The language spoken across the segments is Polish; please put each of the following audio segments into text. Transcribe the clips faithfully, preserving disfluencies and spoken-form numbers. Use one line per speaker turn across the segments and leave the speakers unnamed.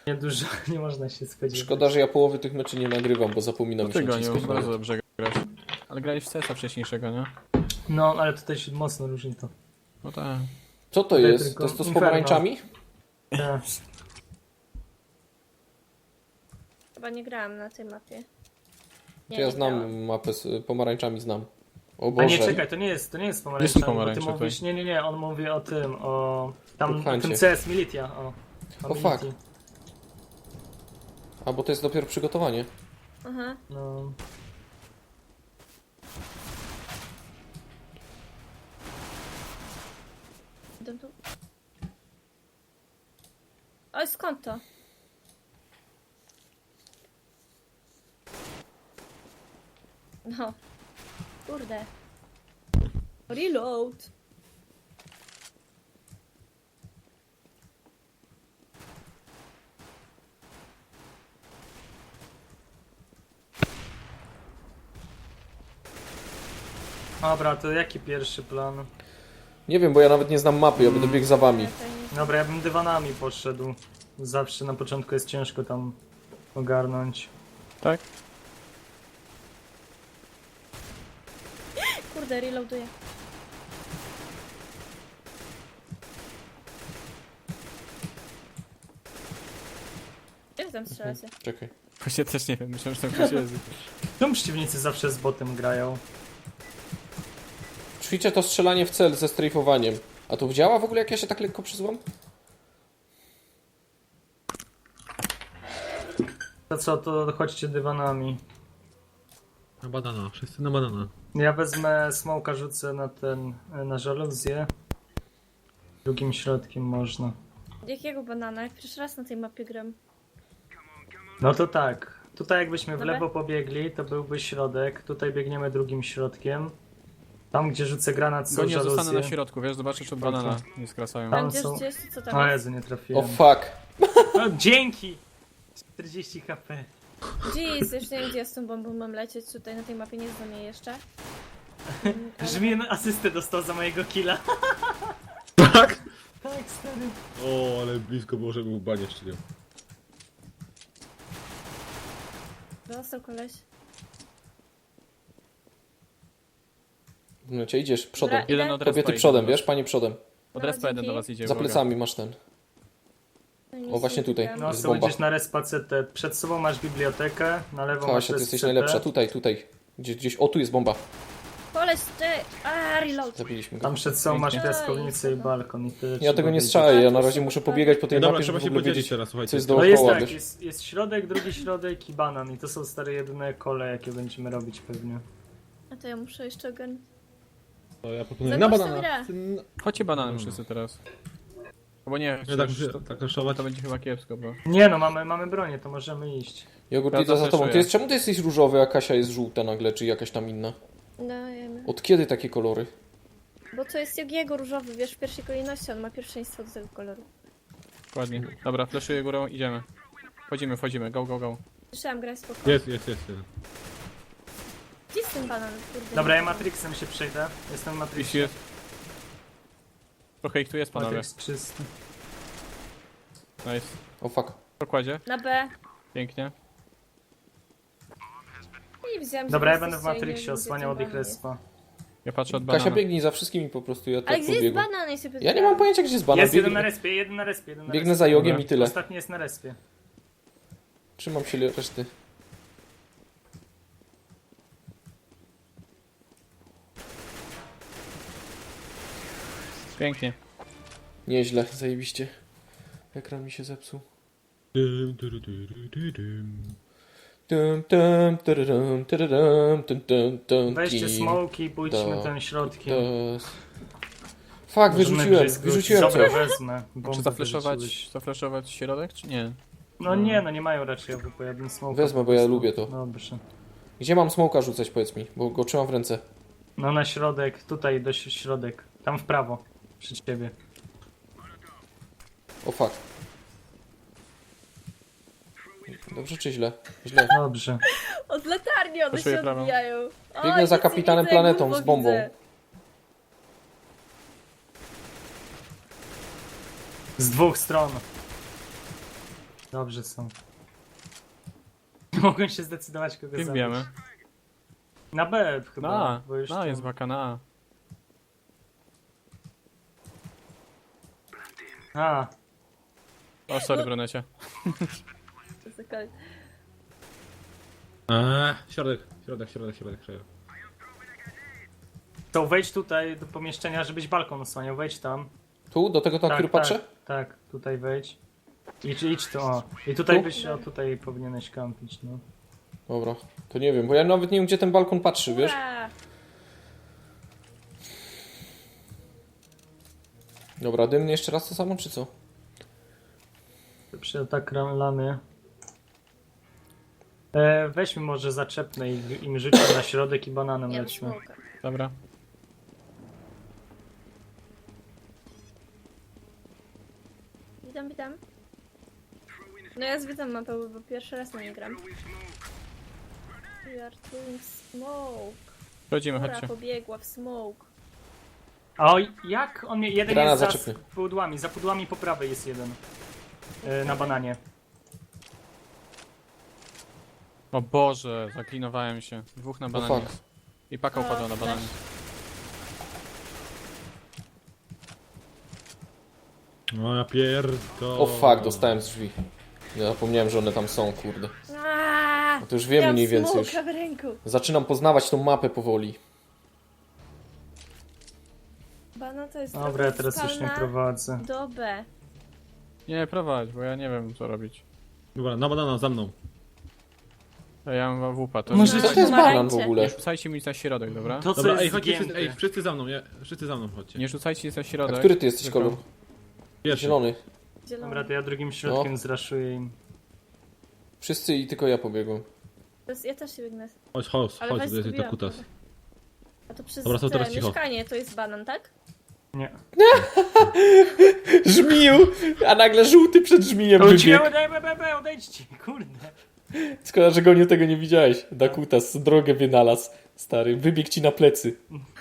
Dużo, nie można się spodziewać.
Szkoda, że ja połowy tych meczy nie nagrywam, bo zapominam
No ty
się
go nie,
naciskać
bardzo
nawet.
dobrze grasz. Ale grałeś w C S a wcześniejszego, nie?
No, ale tutaj się mocno różni to.
No tak.
Co to
Tutaj
jest?
tylko
To jest to z
Inferno.
pomarańczami?
Tak.
Chyba nie grałam na tej mapie. Nie,
To ja
nie
znam
grałam.
mapę z pomarańczami, znam. O
A
Boże.
nie, czekaj, to nie jest, to nie jest
Nie
pomarańcza.
są
Bo
pomarańcze
ty mówisz, nie, nie, nie, on mówi o tym, o... Tam, o
Huntcie.
tym C S Militia, o.
O,
Militi.
fuck. A, bo to jest dopiero przygotowanie.
Aha.
No.
Idę tu. Oj, skąd to? No. Kurde. Reload.
Dobra, to jaki pierwszy plan?
Nie wiem, bo ja nawet nie znam mapy, ja będę biegł za wami.
Ja to nie-
Dobra, ja bym dywanami poszedł. Zawsze na początku jest ciężko tam ogarnąć.
Tak?
Kurde, reloaduję. Jak tam strzelacie?
Czekaj.
Właśnie też nie wiem, myślałem, że tam ktoś jest.
Czemu przeciwnicy zawsze z botem grają?
Ćwiczę to strzelanie w cel ze strajfowaniem. A to działa w ogóle, jak ja się tak lekko przyzłam?
To co, to chodźcie dywanami.
Na banana, wszyscy na banana.
Ja wezmę smoka, rzucę na ten, na żaluzję. Drugim środkiem można.
Jakiego banana? Jak pierwszy raz na tej mapie gram.
No to tak. Tutaj jakbyśmy w
Dobra.
lewo pobiegli, to byłby środek. Tutaj biegniemy drugim środkiem. Tam, gdzie rzucę granat, są
Gonia zostanę na
żaluzje.
środku, wiesz, zobaczysz od banana, nie skracają.
Tam
Tam gdzie,
są-
gdzie jest, co tam
O
jest?
Jezu, nie
O
trafiłem.
fuck.
O, dzięki! czterdzieści HP.
Gdzie jest? Jeszcze nie wiem, gdzie ja z tą bombą mam lecieć. Tutaj na tej mapie nie znam jej jeszcze. Mm, ale-
Żmien asystę dostał za mojego killa.
Tak?
Tak, stary.
O, ale blisko było, żeby mu banie szczelił.
Dostał koleś.
No cię idziesz przodem.
Dobra,
Jeden od respa
Kobiety
idzie
przodem,
do was.
wiesz? Panie przodem.
Od respa jeden
dzięki.
do was idzie,
Za
uwaga.
plecami masz ten.
No i nic
O, właśnie
nie
tutaj.
widziałam.
No,
Jest
co
bomba.
będziesz na respa C T. Przed sobą masz bibliotekę, na lewo masz
Kasia, ty
res
jesteś
C T.
najlepsza. Tutaj, tutaj. Gdzieś, gdzieś. O, tu jest bomba.
Koleś, ty! A, reload.
Zabiliśmy go.
Tam przed sobą masz
Pięknie.
piaskownicę i balkon i tyle.
Ja
trzeba
tego nie
wiedzieć.
strzelę, ja na razie muszę pobiegać po tej
No dobra,
mapie,
trzeba
żeby w
się
ogóle
podzielić
wiedzieć,
teraz, słuchajcie.
co jest
No jest
dookoła,
tak,
wiesz?
jest, jest środek, drugi środek i banan. I to są stare jedyne kole, jakie będziemy robić pewnie.
A to ja muszę jeszcze ogarnąć.
To ja proponuję na
Zagłoś tę
banana.
grę.
Syn-
Chodźcie bananem wszyscy teraz. Albo nie,
Nie, tak,
przecież
tak,
to,
tak raszować.
to będzie chyba kiepsko, bo...
Nie no, mamy, mamy bronię, to możemy iść.
Jogurt
Ja
idę za tobą.
zafreszuję.
Ty jest, czemu ty jesteś różowy, a Kasia jest żółta nagle, czy jakaś tam inna?
No, jemy.
Od kiedy takie kolory?
Bo to jest Jogiego różowy, wiesz, w pierwszej kolejności on ma pierwszeństwo do tego koloru.
Dokładnie. Dobra, fleszuję górą, idziemy. Wchodzimy, wchodzimy, go, go, go.
Słyszałam grę spoko.
Jest, jest, jest. jest.
Gdzie jest ten banan, kurde?
Dobra, ja Matrixem się przejdę. Jestem
Jeśli
Matrixem.
jest... Trochę ich tu jest, panowie.
Matrix czysty.
Nice.
O fuck.
Pokładzie.
Na B.
Pięknie.
I wziąłem, że
Dobra, ja
wy
będę w
jesteście i nie
Matrixie
wiem,
osłaniał od
gdzie
ich
ten banan jest.
respa.
Ja patrzę od banana.
Kasia, biegnij za wszystkimi po prostu, ja
Ale
tak
gdzie jest
pobiegłem.
banan? Ja, się
Ja nie mam pojęcia, gdzie jest banan.
Jest jeden na
Biegnę,
respie, jeden na respie, jeden na
biegnę
respie.
za jogiem
Dobra.
i tyle.
Ostatni jest na respie.
Trzymam się reszty.
Pięknie.
Nieźle, zajebiście. Ekran mi się zepsuł.
Dym, dyry, dyry, dyry, dym.
Tum, tum, tyryrum, tyryrum, tum, tum, tum,
Weźcie
ki,
smoki i pójdźmy
to-
tym środkiem.
to- Fuck,
Możemy
wyrzuciłem,
gdzieś
wyrzuciłem
Dobra,
coś.
wezmę. Bombę
Czy zafleszować,
wyrzuciłeś.
zafleszować środek, czy nie?
No nie, no nie mają raczej obu, ja bym smoka.
Wezmę,
po
bo ja
prostu-
lubię to.
Dobrze.
Gdzie mam smoka rzucać, powiedz mi, bo go trzymam w ręce.
No na środek, tutaj do ś- środek. Tam w prawo. Przy ciebie.
O fuck. Dobrze czy źle? Źle.
Dobrze.
Od latarni one
Poszuję
się
prawą.
odbijają. O,
Biegnę za
nic nie
kapitanem
widzę,
planetą
gówno
z bombą.
widzę.
Z dwóch stron. Dobrze są. Mogłem się zdecydować, kogo
Jak
zabić.
wiemy.
Na B chyba,
Na A,
bo już
na
tam-
jest baka na A.
A,
O, sorry, brunecie.
To jest okej.
Eee, środek, środek, środek, środek, środek.
to wejdź tutaj do pomieszczenia, żebyś balkon osłaniał, wejdź tam.
Tu, do tego, na który patrzę?
Tak, tak, tutaj wejdź. Idź, idź tu, o. I tutaj
Tu?
byś, o tutaj powinieneś kampić, no.
Dobra, to nie wiem, bo ja nawet nie wiem, gdzie ten balkon patrzy, wiesz?
Ura!
Dobra, dymny jeszcze raz to samo, czy co?
Przy atak lamy. E, weźmy może zaczepne i im rzućmy na środek i bananem
Ja mam
lećmy.
smoka.
Dobra.
Witam, witam. No ja zwiedzam mapę, bo pierwszy raz na nie gram. We are doing smoke.
Chodzimy,
Ura
chodźcie.
pobiegła w smoke.
A o, jak on mnie. Jeden
Granat
jest za
zaczepny.
pudłami, za pudłami po prawej jest jeden. E, na bananie.
O Boże, zaklinowałem się. Dwóch na
No
bananie.
fuck.
I paka upadła na bananie.
No ja pierdolę.
O fuck, dostałem z drzwi. Ja zapomniałem, że one tam są, kurde.
Aaaa!
No to już wiem mniej więcej już.
w ręku.
Zaczynam poznawać tą mapę powoli.
Bana to jest
Dobra,
trochę
ja teraz już nie
skalna
prowadzę.
do B.
Nie, prowadź, bo ja nie wiem co robić.
Dobra, na banana, za mną.
A ja mam wupa, to
Może-
nie,
Co to jest banan w
Pomarańcze.
ogóle?
nie rzucajcie mi na środek, dobra?
To co
Dobra,
jest
ej, chodźcie,
zgięte.
wszyscy, ej, wszyscy za mną, nie? Wszyscy za mną chodźcie.
Nie rzucajcie mi na
A
środek.
który ty jesteś
tylko-
kolor?
Pierwszy.
Zielony.
Zielony.
Dobra, to ja drugim środkiem
No.
zraszuję im.
Wszyscy i tylko ja pobiegłem.
To jest, ja też się biegnę.
Chodź, chodź,
Ale
chodź,
was
to jest
zgubiłam.
ta kutas.
A to przez
Dobra, to
te
teraz cicho.
mieszkanie to jest banan, tak?
Nie.
Żmił! A nagle żółty przed żmijem
Wróciłem,
wybiegł.
daj, be, be, be, odejdźcie, kurde.
Szkoda, że Goniu tego nie widziałeś. Dakutas drogę wynalazł. Stary, wybiegł ci na plecy.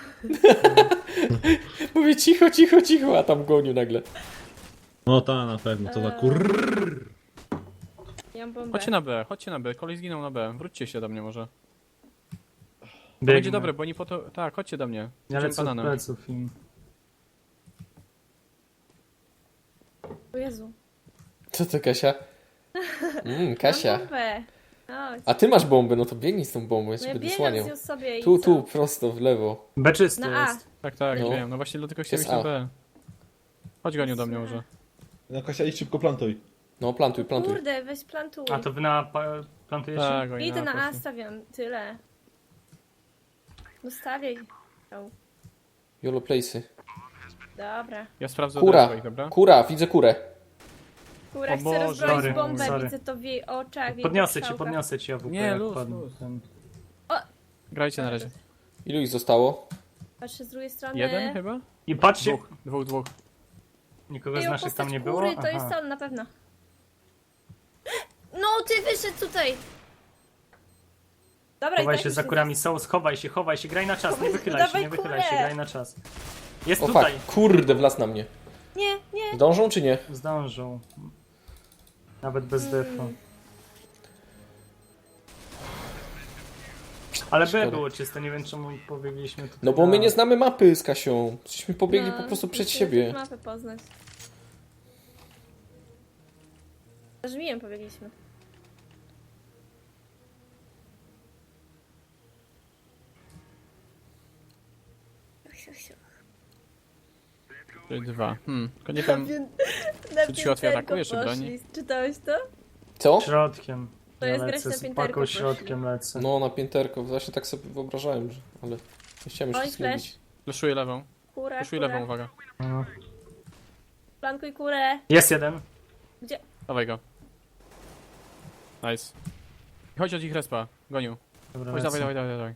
Mówię cicho, cicho, cicho, a tam Goniu nagle.
No ta, na pewno, co za
Eee.
kur...
Ja mam bombę.
Chodźcie na B, chodźcie na B, kolej zginął na B. Wróćcie się do mnie może. To
Biegnę.
będzie dobre, bo oni po to... Tak, chodźcie do mnie.
Ja
Idziemy
lecę od
bananem.
pleców im.
O Jezu.
Co to, Kasia? Mm,
Mam
Kasia.
bombę. Chodź.
A ty masz bombę, no to biegnij z tą bombą, ja
No
cię
ja
będę
biegam
słaniał.
z nią sobie i
Tu,
co?
tu, prosto, w lewo.
B czysty
Na A.
jest.
Tak, tak,
No.
wiem. No właśnie dlatego chciałem
Jest
iść na
A.
B. Chodź Goniu do mnie może.
No Kasia, idź szybko plantuj.
No, plantuj, plantuj.
Kurde, weź plantuj.
A to wy na pa- plantujecie?
Tak, oni
Idę na A,
poszli.
stawiam. Tyle. No stawiaj. O,
Yolo place'y.
dobra.
Ja sprawdzę
Kura,
od swoich, dobra?
kura, widzę kurę.
Kura
O
chce
Boże.
rozbroić
Sorry,
bombę,
sorry.
widzę to w jej oczach, w jej
Podniosę cię,
strzałkach.
podniosę cię, AWP,
Nie,
jak
luz,
padł
luz.
ten.
Grajcie na razie.
Ilu ich zostało?
Patrzę z drugiej strony.
Jeden chyba?
I patrzcie,
Dwóch, dwóch, dwóch.
nikogo
Ej,
z
o,
naszych tam
postać
nie było?
kury, to
Aha.
jest on na pewno. No, ty wyszedł tutaj! Dobra,
Chowaj
i tak
się
już
za
nie
kurami, są, schowaj się, chowaj się, graj na czas, nie
Chowaj-
wychylaj się,
dawaj
nie wychylaj się,
kurę.
graj na czas. Jest
O
tutaj,
fuck, kurde, wlazł na mnie.
Nie, nie.
Zdążą czy nie?
zdążą. Nawet bez defa. Ale B
Szkoda.
było czyste, nie wiem czemu pobiegliśmy tutaj.
No bo my
na-
nie znamy mapy z Kasią. Żeśmy pobiegli
No,
po prostu przed
musimy
siebie.
mapę poznać. Za żmijem pobiegliśmy.
Czyli dwa. Hmm, tylko nie wiem...
Na
Czy ci łatwiej
pięterko
atakujesz, czy broni?
poszli. Czytałeś to?
Co?
Środkiem.
To
Ja
jest grać
lecę
na
z
pięterko
paką
poszli.
środkiem lecę.
No, na pięterko. Właśnie tak sobie wyobrażałem, że... ale nie chciałem już
Oj,
nic
flash.
mówić.
Fleszuję lewą.
Kura,
Fleszuję
kura.
lewą, uwaga.
No.
Plankuj kurę.
Jest jeden.
Gdzie?
Dawaj go. Nice. Chodź od ich respa, Goniu.
Dobra,
Chodź,
lecę.
dawaj, dawaj, dawaj, dawaj.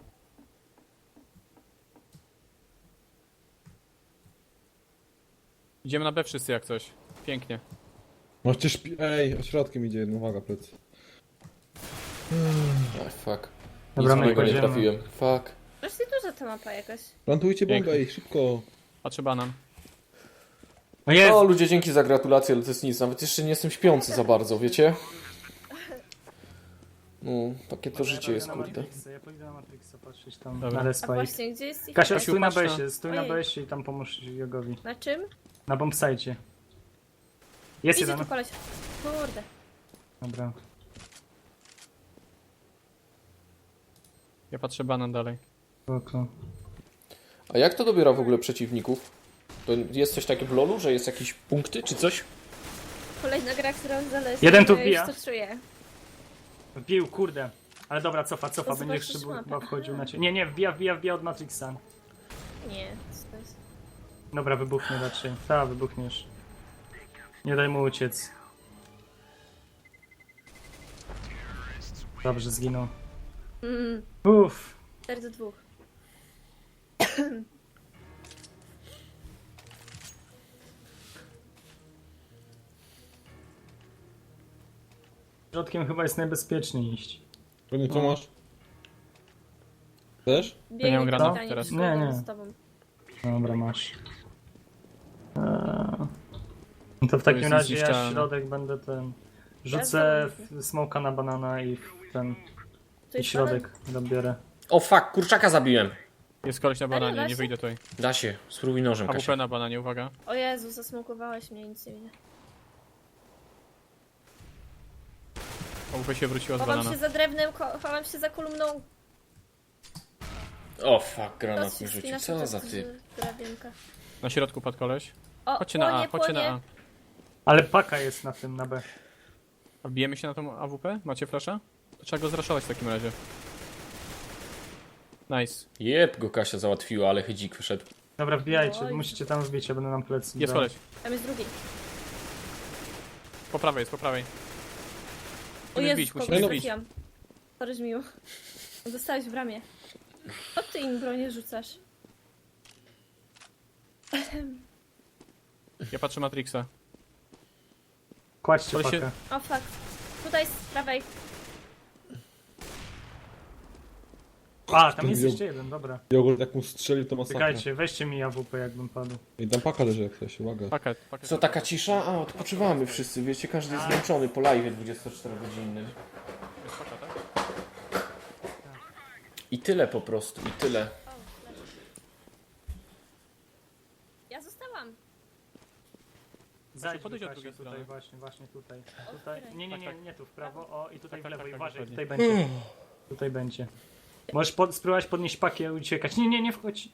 Idziemy na B wszyscy jak coś. Pięknie.
Możecie szpi... Ej, ośrodkiem idzie jeden, uwaga, plec.
Ach, fuck.
Dobra,
Nic
my
mojego nie
kładziemy.
trafiłem. Fuck.
Właśnie duża ta mapa jakaś.
Plantujcie bombę,
Pięknie.
ej, szybko.
Patrzę banan.
O jest!
O ludzie, dzięki za gratulacje, ale to jest nic. Nawet jeszcze nie jestem śpiący za bardzo, wiecie? No, takie to życie jest,
na
kurde.
Matrixa, ja pójdę na Matrixa patrzeć tam
Dobra.
na
A
respa ich.
właśnie, gdzie jest ich?
Kasia,
Kasiu,
stój na
patrz na-
besie, stój na
Ojej.
besie i tam pomóż Jogowi.
Na czym?
Na bombsite. Jest
Idzie
jeden.
tu koleś. Kurde.
Dobra.
Ja patrzę banan dalej.
Spoko.
A jak to dobiera w ogóle przeciwników? To jest coś takiego w lolu, że jest jakieś punkty czy coś?
Kolejna gra, którą zależy.
Jeden tu
ja już
wbija.
to czuję.
Wbił, kurde. Ale dobra, cofa, cofa,
To
będzie
zobaczysz
chyba
mapę.
chyba wchodził na ciebie. Nie, nie, wbija, wbija, wbija od Matrixa.
Nie, co to jest?
Dobra, wybuchnie raczej. Ta, wybuchniesz. Nie daj mu uciec. Dobrze, zginął.
Mm,
Uff.
cztery do dwóch.
Środkiem chyba jest najbezpieczniej iść.
Pewnie co masz? Chcesz?
Biegnie
nie mam granatów
pytanie,
teraz.
czy
Nie,
zgodą
nie.
z tobą.
Dobra, masz. Eee. No to w takim
jest
razie ja
niezniszczalne.
środek będę ten... Rzucę w smoka na banana i w ten...
To
I
jest
środek dobiorę.
O fuck, kurczaka zabiłem.
Jest koleś na bananie,
da
nie
się?
wyjdę tutaj.
Da się, spróbuj nożem,
A W
Kasia.
P na bananie, uwaga.
banan. O Jezu, zasmokowałeś mnie, nic nie widzę.
A W P się wróciła z
Chowam
banana.
się za drewnem, ko- chowam się za kolumną.
O fuck, granat
Los
mi
się
rzucił.
spina
Co
przez
za typ?
drabinkę.
Na środku padł koleś.
O,
Chodźcie na A,
płonie,
chodźcie na
płonie.
A.
Ale paka jest na tym, na B.
A bijemy się na tą A W P? Macie flasha? To trzeba go zraszować w takim razie. Nice.
Jeb, go Kasia załatwiła, ale chydzik wyszedł.
Dobra, wbijajcie,
Oj.
musicie tam wbić, ja będę nam plecy.
Jest
brał.
koleś.
Tam jest drugi.
Po prawej jest, po prawej.
O
Musimy
Jezu,
wbić,
kogoś
musimy wbić.
trafiłam. Sorry, Żmiu. Dostałeś w ramię. Co ty im bronię rzucasz?
Ja patrzę Matrixa.
Kładźcie
Koleś się-
pakę.
O fuck. Tutaj z prawej.
A, tam jest
Ten
jeszcze jeden, dobra.
Jogurt jak mu strzelił to masakra.
Czekajcie, weźcie mi A W P jakbym padł.
I tam paka leży jak coś, uwaga.
Paket, paket.
Co, taka cisza? A, odpoczywamy wszyscy, wiecie, każdy jest zmęczony po live dwudziestoczterogodzinnym.
Jest paka, tak?
I tyle po prostu, i tyle.
Ja zostałam.
Zajdź
podejdź
do
od
Kasi,
drugiej
tutaj,
strony.
właśnie, właśnie tutaj.
O,
Tutaj,
której?
nie, nie, nie,
Tak, tak.
nie tu w prawo, o i tutaj
Tak,
w
tak,
lewo, i
tak,
uważaj,
dokładnie.
tutaj będzie. Tutaj będzie. Możesz pod, spróbować podnieść pakę i uciekać. Nie, nie, nie wchodź.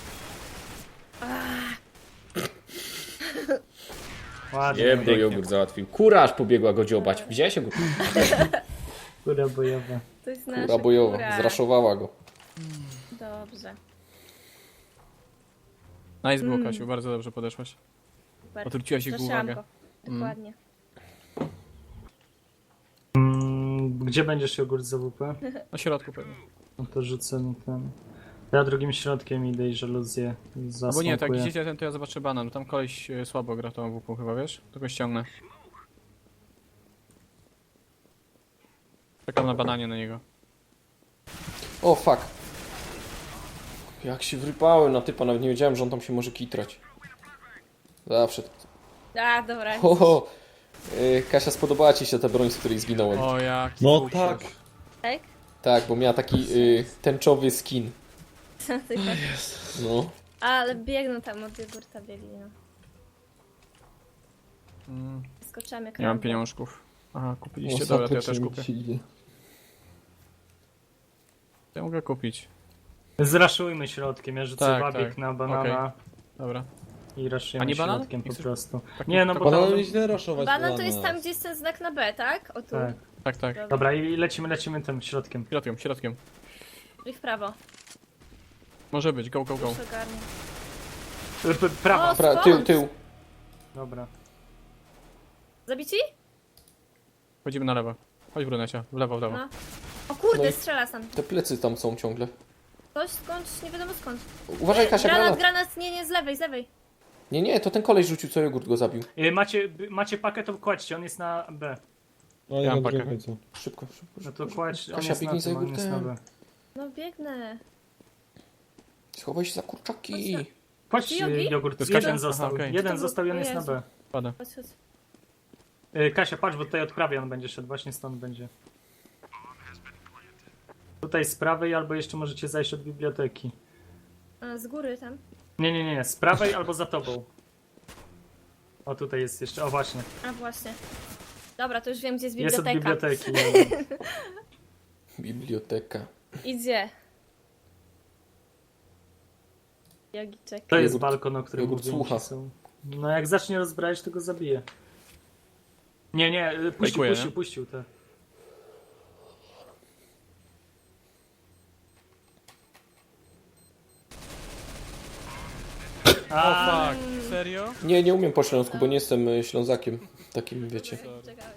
Ładnie,
Jeb, go jogurt załatwił. Kura aż pobiegła go dziobać. Widziałeś go?
kura bojowa.
To jest nasza
Kura bojowa,
kura.
zraszowała go.
Dobrze.
Nice było,
Mm.
Kasiu, bardzo dobrze podeszłaś.
Super.
Odwróciłaś ich
Straszyłam
uwagę.
go. Dokładnie.
Mm, gdzie będziesz jogurt z A W P?
Na środku pewnie.
No to rzucę mi ten... Ja drugim środkiem idę i żaluzję
Albo nie, tak
zasmokuję.
idziecie ten, to ja zobaczę banan. Tam koleś e, słabo gra tą A W P chyba, wiesz? To go ściągnę. Czekam na bananie na niego.
O fuck. Jak się wrypałem na typa, nawet nie wiedziałem, że on tam się może kitrać. Zawsze.
A, dobra.
Ho, ho. Yy, Kasia, spodobała ci się ta broń, z której zginąłem.
O, jak.
No tak.
Tak?
Tak, bo miała taki yy, tęczowy skin.
Tylko-
No.
Ale biegną tam od jogurta biegli, no.
Mm,
Skoczyłam jak
nie mam
Rambo.
pieniążków. Aha, kupiliście,
No,
dobra, to ja też
faktycznie
kupię.
mi się idzie.
Ja mogę kupić.
Zraszujmy środkiem, ja rzucę
Tak,
wabik
tak.
na banana
Dobra.
i
A
raszujemy
nie banan?
środkiem
Nie
po
chcesz-
prostu.
tak-
Nie, no
tak-
bo
Banana
tam...
nie źle raszować.
Banan to
dla
jest
nas.
tam, gdzie jest ten znak na B, tak? O tu.
Tak.
Tak, tak.
Dobra.
Dobra, i lecimy, lecimy tym środkiem.
Środkiem, środkiem.
I w prawo.
Może być, go, go, go.
Już ogarnię.
P- p- Prawo.
O,
Pra,
skąd?
tył, tył.
Dobra.
Zabici?
Chodzimy na lewo. Chodź brunecia, w lewo, w lewo.
No. O kurde,
No i-
strzela sam.
Te plecy tam są ciągle.
Ktoś skądś, nie wiadomo skąd.
Uważaj, Kasia,
Granat,
granat.
granat, nie, nie, z lewej, z lewej.
Nie, nie, to ten koleś rzucił, co jogurt go zabił.
Y, Macie, b- macie pakę, to kładźcie, on jest na B.
No nie
Ja
na
mam
drugim
pakę.
końcu.
Szybko, szybko.
No to kładź, on
Kasia,
jest na
biegnij za
tym, on jest na
jogurtem.
B.
No biegnę.
Schowaj się za kurczaki.
Chodź,
Ty, Jogi?
jogurt,
To jest
jeden
Kasia?
został,
Aha, okej.
jeden
To-
został, jeden
o
jest na
Jezu.
B.
Pada.
Chodź, chodź.
Y, Kasia, patrz, bo tutaj od prawej on będzie szedł, właśnie stąd będzie. Tutaj z prawej, albo jeszcze możecie zajść od biblioteki.
A, z góry tam.
Nie, nie, nie, nie, z prawej albo za tobą. O, tutaj jest jeszcze, o właśnie,
A właśnie. Dobra, to już wiem, gdzie jest
jest od
biblioteka.
biblioteki.
Biblioteka.
Idzie. Jogiczek.
To jest
Jogurt-
balkon, o którym
jogurt
mówiłem,
słucha.
że są. No jak zacznie rozbrajać, to go zabije. Nie, nie, y, puścił,
Fejkuje,
puścił,
nie?
puścił te.
O
A,
fuck, serio?
Nie, nie umiem po śląsku, bo nie jestem y, Ślązakiem. Takim, wiecie.
Czekałeś.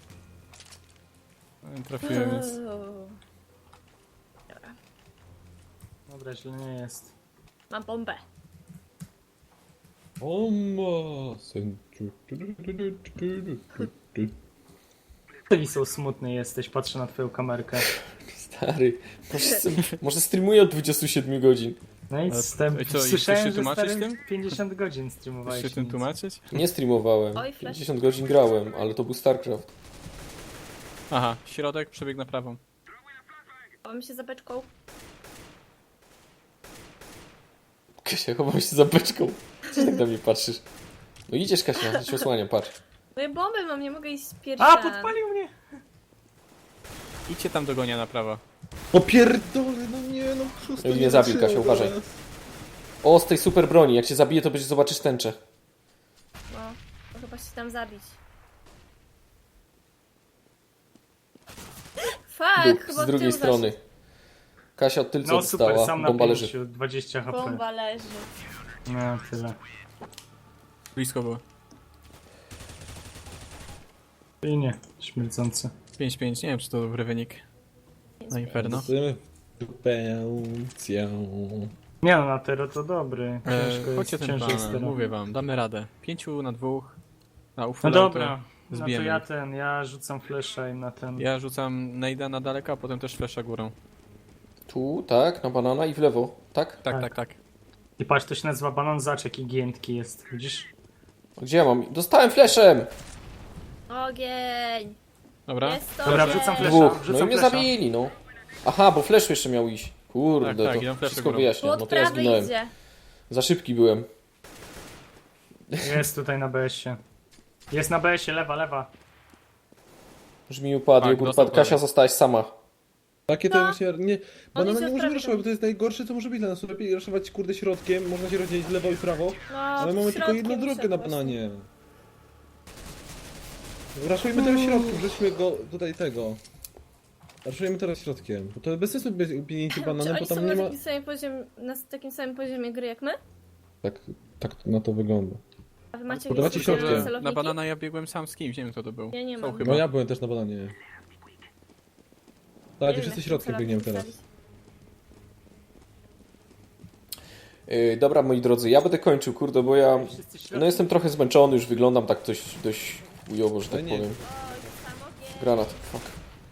Nie trafiłem, więc...
Uuu.
dobra, źle nie jest.
Mam bombę.
Oma, sen...
Ty są smutny jesteś, patrzę na twoją kamerkę.
Stary, może, może streamuję od dwudziestu siedmiu godzin.
No i
Ale-
stęp...
i co, i chcesz
słyszałem,
się
że
tłumaczyć
stary
tym?
pięćdziesiąt godzin
Chcesz
streamowałeś.
się tym
nic.
tłumaczyć?
Nie streamowałem.
Oj, flash.
pięćdziesiąt godzin grałem, ale to był StarCraft.
Aha, środek, przebieg na prawą.
Chowam się za beczką.
Kasia, chowam się za beczką. Co tak na mnie patrzysz? No idziesz, Kasia, ja cię osłaniam, patrz.
No ja bombę mam, nie mogę iść pierwsza.
A, podpalił mnie!
Idźcie tam do gonia na prawo.
O pierdolę, no nie, no szósta
Mnie
nie
zabił,
wytrzyma
Kasia, uważaj.
teraz.
O, z tej super broni, jak cię zabije, to będziesz zobaczysz tęczę.
No, to chyba się tam zabić. Fuck,
Duch,
chyba
z
w
drugiej
tył
strony. Kasia od tylca
No super,
dostała,
sam na
bomba leży.
pięciu, dwadzieścia
zaszedł.
H P.
Bomba leży.
No, tyle.
Blisko było.
I nie, śmierdzące.
pięć pięć, nie wiem czy to dobry wynik. Na Inferno.
Zostajemy w dupę, cię.
Nie no, na Tero to dobry. Ciężko
Eee, chodźcie
jest,
ten
ciężko jest
plan,
Tero.
mówię wam, damy radę. Pięciu na dwóch. Na ufo
No dobra, no to
zbijemy
ja
ich.
ten, ja rzucam flesza im na ten.
Ja rzucam Nejda na daleko, a potem też flesza górą.
Tu, tak, na banana i w lewo, tak?
Tak,
Tak.
tak, tak.
I patrz, to się nazywa banan zaczek i giętki jest, widzisz?
Gdzie ja mam? Dostałem fleszem!
Ogień!
Dobra?
Jest to
Dobra,
ogień.
wrzucam flesza.
Dwóch, no
wrzucam
i mnie
flesza.
zabili, no. Aha, bo flash jeszcze miał iść. Kurde,
Tak, tak, idą
to
flesze
wszystko
górą.
wyjaśnia.
Tu
No
od
to ja
prawej
zginąłem.
idzie.
Za szybki byłem.
Jest tutaj na B S-ie. Jest na B S-ie, lewa, lewa.
Już mi upadł,
Tak,
jogurt
dostał
upadł. Kasia,
prawie.
zostałaś sama.
Takie to właśnie, nie, banana
idzie
nie
od
możemy
prawej
raszować, bo to jest najgorsze co może być dla nas. Lepiej raszować kurde środkiem, można się rozdzielić w lewo i prawo,
No,
ale mamy tylko
środkiem
jedną drogę na
muszę
bananie. Raszujmy teraz środkiem, rzućmy go tutaj tego. Raszujemy teraz środkiem, bo to bez sensu biegnięcie
Czy
bananem, bo
oni są
tam
na
nie ma...
takim, samym poziomie, na takim samym poziomie gry jak my?
Tak, tak na to wygląda.
A wy macie
Podobacie
jakieś
się
specjalne
środkiem.
Na
celowniki?
banana ja biegłem sam z kimś, nie wiem kto to był.
Ja nie
Są
mam.
chyba.
No ja byłem też na bananie.
Nie
Tak,
wiem,
wszyscy
jak
środkiem
celownik
biegniemy teraz.
ustawić.
Yy, dobra, moi drodzy, ja będę kończył, kurde, bo ja...
Wszyscy środki.
No jestem trochę zmęczony, już wyglądam tak dość, dość chujowo, że
Ale
tak
nie.
powiem.
O, jest sam ogień.
Granat, fuck.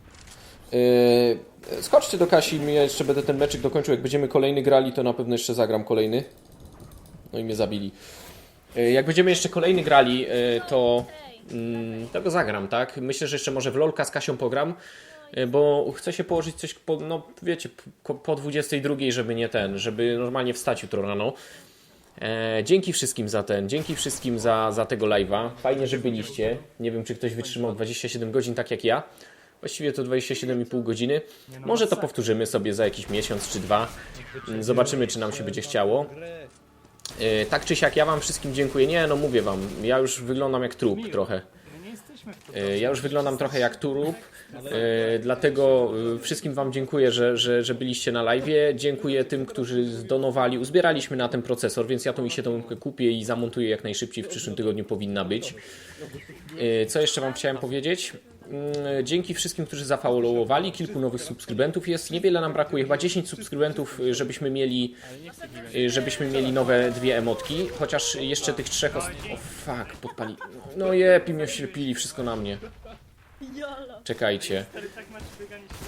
Yy, skoczcie do Kasi, ja jeszcze będę ten meczyk dokończył. Jak będziemy kolejny grali, to na pewno jeszcze zagram kolejny. No i mnie zabili. Yy, jak będziemy jeszcze kolejny grali, yy, to, yy, to go zagram, tak? Myślę, że jeszcze może w LOLka z Kasią pogram, yy, bo chcę się położyć coś, po, no wiecie, po, po dwudziestej drugiej, żeby nie ten, żeby normalnie wstać jutro rano. E, dzięki wszystkim za ten, dzięki wszystkim za, za tego live'a. Fajnie, że byliście. Nie wiem, czy ktoś wytrzymał dwadzieścia siedem godzin tak jak ja. Właściwie to dwadzieścia siedem i pół godziny. Może to powtórzymy sobie za jakiś miesiąc czy dwa. Zobaczymy, czy nam się będzie chciało. E, tak czy siak, ja wam wszystkim dziękuję. Nie, no mówię wam, ja już wyglądam jak trup trochę.
My nie jesteśmy w to.
E, Ja już wyglądam trochę jak turup, e, dlatego e, wszystkim wam dziękuję, że, że, że byliście na live'ie. Dziękuję tym, którzy zdonowali. Uzbieraliśmy na ten procesor, więc ja tą i się tą kupię i zamontuję jak najszybciej. W przyszłym tygodniu powinna być. E, Co jeszcze wam chciałem powiedzieć? Mm, Dzięki wszystkim, którzy zafollowowali. Kilku nowych subskrybentów jest. Niewiele nam brakuje, chyba dziesięć subskrybentów, e, żebyśmy mieli e, żebyśmy mieli nowe dwie emotki. Chociaż jeszcze tych trzech... Os- o fuck, podpali. No jep, i mnie oślepili, wszystko na mnie.
Jolo.
Czekajcie.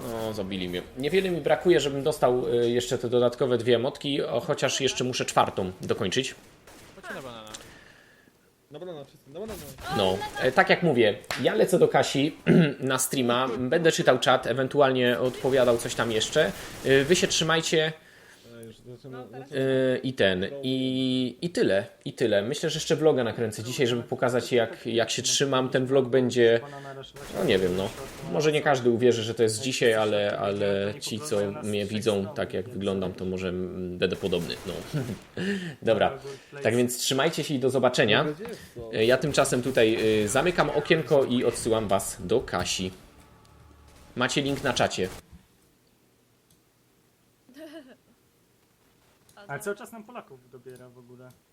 No, zabili mnie. Niewiele mi brakuje, żebym dostał y, jeszcze te dodatkowe dwie emotki, o, chociaż jeszcze muszę czwartą dokończyć.
Chodźcie na banana.
Na banana, wszyscy, na banana.
No, e, tak jak mówię, ja lecę do Kasi na streama, będę czytał czat, ewentualnie odpowiadał coś tam jeszcze. Y, Wy się trzymajcie.
E, już zaczynamy-
No, teraz-
Yy, I ten, i, i tyle, i tyle. Myślę, że jeszcze vloga nakręcę dzisiaj, żeby pokazać jak, jak się trzymam. Ten vlog będzie, no nie wiem, no. Może nie każdy uwierzy, że to jest dzisiaj, ale, ale ci, co mnie widzą, tak jak wyglądam, to może mm, będę podobny, no. Dobra, tak więc trzymajcie się i do zobaczenia.
Gdzie jest to?
Yy, Ja tymczasem tutaj yy, zamykam okienko i odsyłam was do Kasi. Macie link na czacie.
Ale cały czas nam Polaków dobiera w ogóle.